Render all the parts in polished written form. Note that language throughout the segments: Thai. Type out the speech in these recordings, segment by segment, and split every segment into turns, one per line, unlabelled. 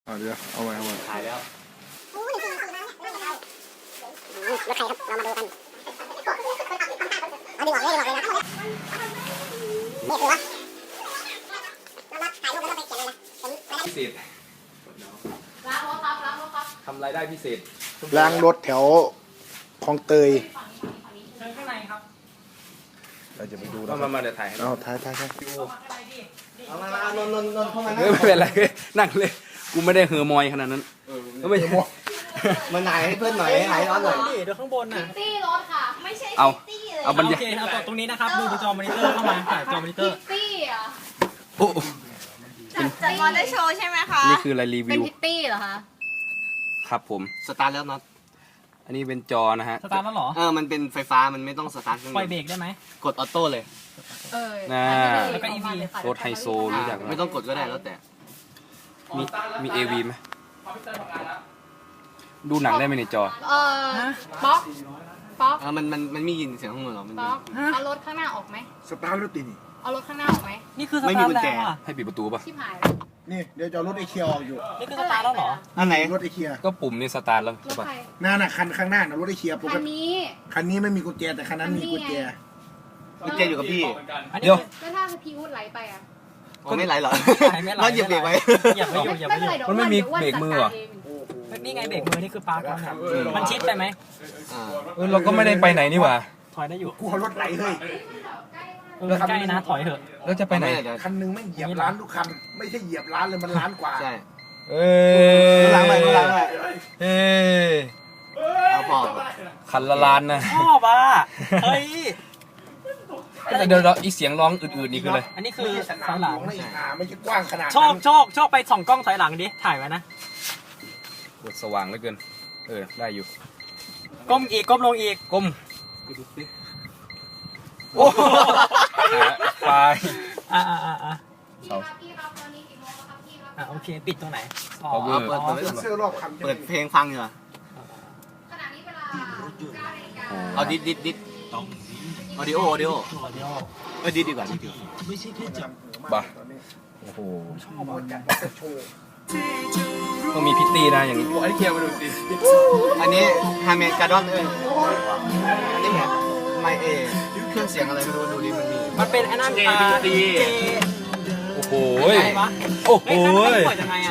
เดี๋ยวเอาไว้
ถ่ายแล้ว
รถใครครับเรามาดูกันเอาดีกว่าเลยนะนี่คือวะเราถ่ายรูปแล้วเราไปเขียนเลยนะ
พิเศษล้างรถครับทำรายได้พิเศษ
ล้างรถแถวคลองเตย
เชิญข้างในครับ
เราจะไปดูนะ
มาเดี๋ยวถ่ายให้
เอาถ่าย
เอามานนเข้ามาไม่เป็นไรนั่งเลยกูไม่ได้เฮอร์มอยขนาดนั้นก็ไม่ใช่
มาไหนให้เพื่อนหน่อยให้ร้อนหน่อย
เดี๋ยวข้างบนน่ะ
ตี้รถค่ะไม่ใช่ตี้เลย
เอาบรรยา
โอเคเอาต่อตรงนี้นะครับดูจอมอนิเตอร์เข้ามาถ่ายจอมอนิเตอร์
ตี้อ่ะ
โอ้
จัดมอเตอร์โชว์ใช่ไหมคะ
นี่คืออะไรรี
เป็
วิ
น
ว
พิตตี้เหรอคะ
ครับผม
สตาร์ทแล้วน็อต
อันนี้เป็นจอนะฮะ
สตาร์ทแล้วเหรอ
มันเป็นไฟฟ้ามันไม่ต้องสตาร์ท
ปล่อยเบรกได้ไหม
กดออโต้เลย
แล้วก็ EV
รถไฮโซรู้จักไหม
ไม่ต้องกดก็ได้แล้วแต่
มี AV ไหมดูหนังได้ไหมในจอ
ป๊อก
มันมียินเสียงข้างบนหรอมัน
ป๊อกเอารถข้างหน้าออกไหม
สตาร์ทรถติดนี่
เอารถข้างหน้าออกไหม
นี่คือสตาร์ทแล้วอ่ะ
ให้ปิดประตูป่ะ
ชิบหาย
นี่เดี๋ยวจะรถไอเคียออกอยู่
นี่คือสตาร์ทแล้วเหรอ
อันไหน
รถไอเคีย
ก็ปุ่มนี่สตาร์ทแล้ว
รถ
ใช่ป่ะ
ใคร
นั่นน่ะคันข้างหน้าน่ะรถไอเคียปกติคันนี้ไม่มีกุญแจแต่คันนั้นมีกุญแจ
กุญแจอยู่กับพี่
เดี๋ยว
แล้วถ้าพี่วุฒิไหลไปอ่ะ
ก็ไม่ไหลหรอเราเหยียบเบรกไว้
เหยียบไม่อยู่
มันไม่มีเบรกมือเหรอ
นี่ไงเบรกมือนี่คือปาร์คแล้วมันชิดไปไหม
เราก็ไม่ได้ไปไหนนี่หว่า
ถอยได้อยู่
กลัวรถไหลเฮ้ย
ใกล้นะถอยเถอะ
แล้วจะไปไหน
คันนึงไม่เหยียบร้านทุกคันไม่ใช่เหยียบร้านเลยมันร้านกว่า
ใช่
ล้างไป
เอาพอ
คันละล้านนะ
ชอบอ่ะเฮ้ย
เดี๋ยวอีเสียงร้องอื่นๆนี่คืออะไร
อันนี้คือถอยหลัง
ไม่ใช่กว้างขนาด
ชอบไปส่องกล้องถอยหลังดิถ่ายไว้นะ
กดสว่างเหลือเกินได้อยู่
ก้มอีกก้มลงอีก
ก้มโอ้ไป
โอเคปิดตรงไหน
เสื้อรอบคัน
เปิดเพลงฟังอยู่อ่ะ
ขณะนี้เวลา9 นาฬิกา
เอาดิดออดิโอดิดีกว่า
บ้าโอ้โหต้องมีพิตตี้นะอย่างนี้
ไอ้เคียมาดูสิ
อันนี้ฮาเมกาดอนอันนี้ไม่เครื่องเสียงอะไรไม่รู้ดูดิ
มันเป็นไอ้นั่น
ดี
โอ้โหโอ้โห
ปล่อยยังไงอ่ะ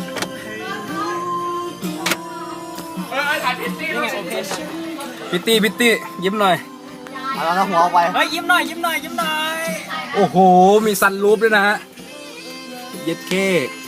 พิตตี้ยิ้มหน่อย
เอาหัวไป
เฮ้ยยิ้มหน่อย
โอ้โหมีซันรูฟด้วยนะฮะเย็ดเค้ก